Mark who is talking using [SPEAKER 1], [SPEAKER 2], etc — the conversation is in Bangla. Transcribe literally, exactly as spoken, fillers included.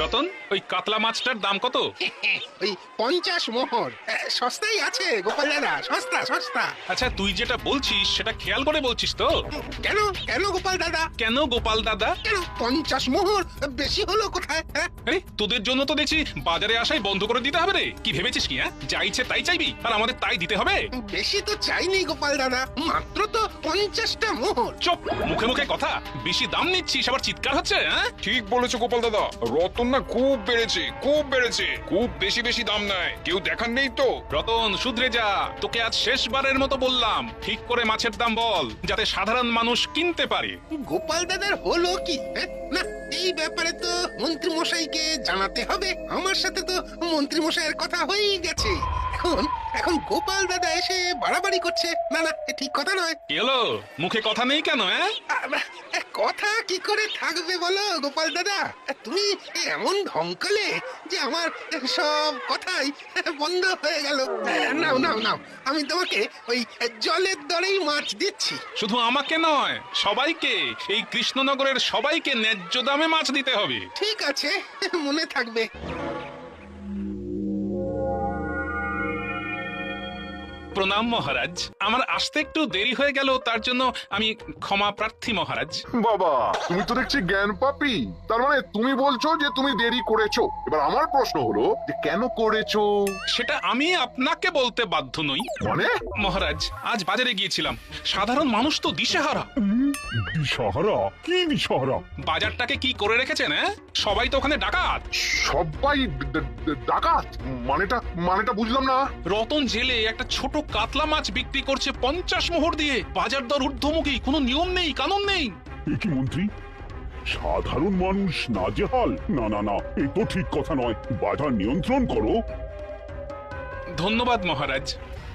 [SPEAKER 1] রতন, ওই কাতলা মাছটার দাম কত?
[SPEAKER 2] ওই পঞ্চাশ মোহর। এ, সস্তাই আছে গোপাল দাদা, সস্তা সস্তা।
[SPEAKER 1] আচ্ছা, তুই যেটা বলছিস সেটা খেয়াল করে বলছিস তো?
[SPEAKER 2] কেন কেন গোপাল দাদা?
[SPEAKER 1] কেন গোপাল দাদা?
[SPEAKER 2] কেন পঞ্চাশ মোহর বেশি হলো কোথায়? হ্যাঁ?
[SPEAKER 1] আরে, তোদের জন্য তো দেখছি বাজারে আসাই বন্ধ করে দিতে হবে রে। কি ভেবেছিস কি? হ্যাঁ, যা ইচ্ছে তাই চাইবি আর আমাদের তাই দিতে হবে?
[SPEAKER 2] বেশি তো চাইনি গোপাল দাদা, মাত্র তো পঞ্চাশটা মোহর।
[SPEAKER 1] চুপ, মুখে মুখে কথা। বেশি দাম নিচ্ছিস, আবার চিৎকার হচ্ছে। হ্যাঁ,
[SPEAKER 3] ঠিক বলেছো গোপাল দাদা, রতন না খুব বেড়েছে, খুব বেড়েছে, খুব বেশি বেশি দাম নেয়, কেউ দেখার নেই তো।
[SPEAKER 1] রতন শুধরে যা। তোকে আজ শেষবারের মতো বললাম, ঠিক করে মাছের দাম বল, যাতে সাধারণ মানুষ কিনতে পারে।
[SPEAKER 2] গোপাল দাদার হলো কি? হ্যাঁ? না, এই ব্যাপারে তো মন্ত্রী মশাইকে জানাতে হবে। আমার সাথে তো মন্ত্রী মশাইয়ের কথা হয়েই গেছে। এখন এখন গোপাল দাদা এসে বাড়াবাড়ি করছে। না না, এ ঠিক কথা নয়।
[SPEAKER 1] কি হলো? মুখে কথা নেই কেন? হ্যাঁ,
[SPEAKER 2] আ, এ, কথা কি করে থাকবে বলো গোপাল দাদা? তুমি এমন ঢঙ্কালে যে আমার সব কথাই বন্ধ হয়ে গেল। নাও নাও নাও, আমি তোমাকে ওই জলের দরেই মাছ দিচ্ছি।
[SPEAKER 1] শুধু আমাকে নয়, সবাইকে, এই কৃষ্ণনগরের সবাইকে ন্যায্য দামে মাছ দিতে হবে।
[SPEAKER 2] ঠিক আছে, মনে থাকবে।
[SPEAKER 1] প্রণাম মহারাজ, আমার আসতে একটু দেরি হয়ে গেল, তার জন্য আমি ক্ষমা প্রার্থী মহারাজ।
[SPEAKER 4] বাবা, তুমি তো দেখছি জ্ঞান পাপি। তার মানে তুমি বলছো যে তুমি দেরি করেছো। এবার আমার প্রশ্ন হলো যে কেন করেছো?
[SPEAKER 1] সেটা আমি আপনাকে বলতে বাধ্য নই।
[SPEAKER 4] মানে
[SPEAKER 1] মহারাজ, আজ বাজারে গিয়েছিলাম, সাধারণ মানুষ তো দিশেহারা।
[SPEAKER 5] দিশাহারা? কি দিশাহারা?
[SPEAKER 1] বাজারটাকে কি করে রেখেছেন? হ্যাঁ, সবাই তো ওখানে ডাকাত।
[SPEAKER 4] সবাই ড- ড- ডাকাত? মানেটা মানেটা বুঝলাম না।
[SPEAKER 1] রতন জেলে একটা ছোট কাতলা মাছ বিক্রি করছে পঞ্চাশ মোহর দিয়ে। বাজার দর ঊর্ধ্বমুখী, কোনো নিয়ম নেই, কানুন নেই।
[SPEAKER 5] এ কি মন্ত্রী, সাধারণ মানুষ নাজেহাল? না না না, এ তো ঠিক কথা নয়। বাজার নিয়ন্ত্রণ করো।
[SPEAKER 1] ধন্যবাদ মহারাজ।